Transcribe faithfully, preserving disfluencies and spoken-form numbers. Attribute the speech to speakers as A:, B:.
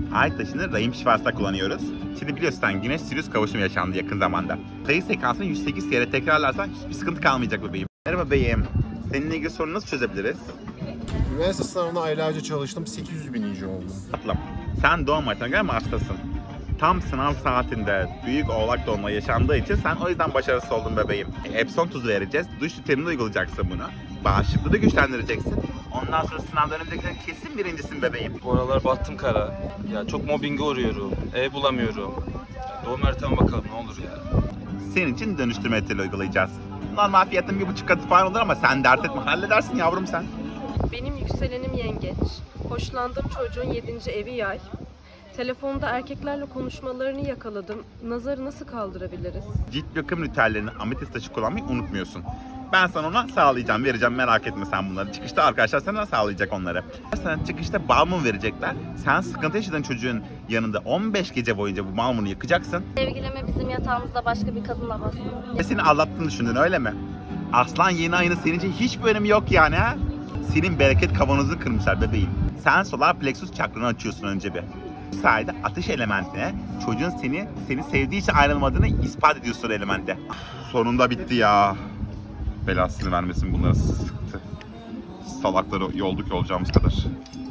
A: Ay taşını rahim şifasında kullanıyoruz. Şimdi biliyorsun sen Güneş Sirius kavuşumu yaşandı yakın zamanda. Sayı sekansını yüz sekiz kere tekrarlarsan hiçbir sıkıntı kalmayacak bebeğim. Merhaba bebeğim. Seninle ilgili sorunu nasıl çözebiliriz?
B: Üniversite sınavına aylarca çalıştım, sekiz yüz bininci oldum.
A: Tatlım, sen doğum haritana göre Mars'tasın. Tam sınav saatinde büyük oğlak dolma yaşandığı için sen o yüzden başarısız oldun bebeğim. Epson tuzu vereceğiz, duş rutininde uygulayacaksın bunu. Bağışıklığı da güçlendireceksin. Ondan sonra sınav döneminde kesin birincisin bebeğim.
C: Bu aralar battım kara. Ya çok mobbinge uğruyorum. Ev bulamıyorum. Ya doğum haritama bakalım ne olur ya.
A: Senin için dönüştürme eteli uygulayacağız. Normal fiyatın bir buçuk katı falan olur ama sen dert etme, halledersin yavrum sen.
D: Benim yükselenim yengeç. Hoşlandığım çocuğun yedinci evi yay. Telefonda erkeklerle konuşmalarını yakaladım. Nazarı nasıl kaldırabiliriz?
A: Cilt bakım ritüellerini ametist taşı kullanmayı unutmuyorsun. Ben sana ona sağlayacağım, vereceğim, merak etme sen bunları. Çıkışta arkadaşlar sana sağlayacak onları. Sana çıkışta balmum verecekler. Sen sıkıntı yaşadığın çocuğun yanında on beş gece boyunca bu balmumu yakacaksın.
E: Sevgilime bizim yatağımızda başka bir kadınla bastı.
A: Ve seni aldattığını düşündün öyle mi? Aslan yeni ayının senin için hiçbir önemi yok yani ha? Senin bereket kavanozunu kırmışlar bebeğim. Sen solar plexus çakranı açıyorsun önce bir. Bu sayede ateş elementine çocuğun seni seni sevdiği için ayrılmadığını ispat ediyorsun elemente. Sonunda bitti ya. Belasını vermesin bunlara sıktı. Salakları yolduk olacağımız kadar.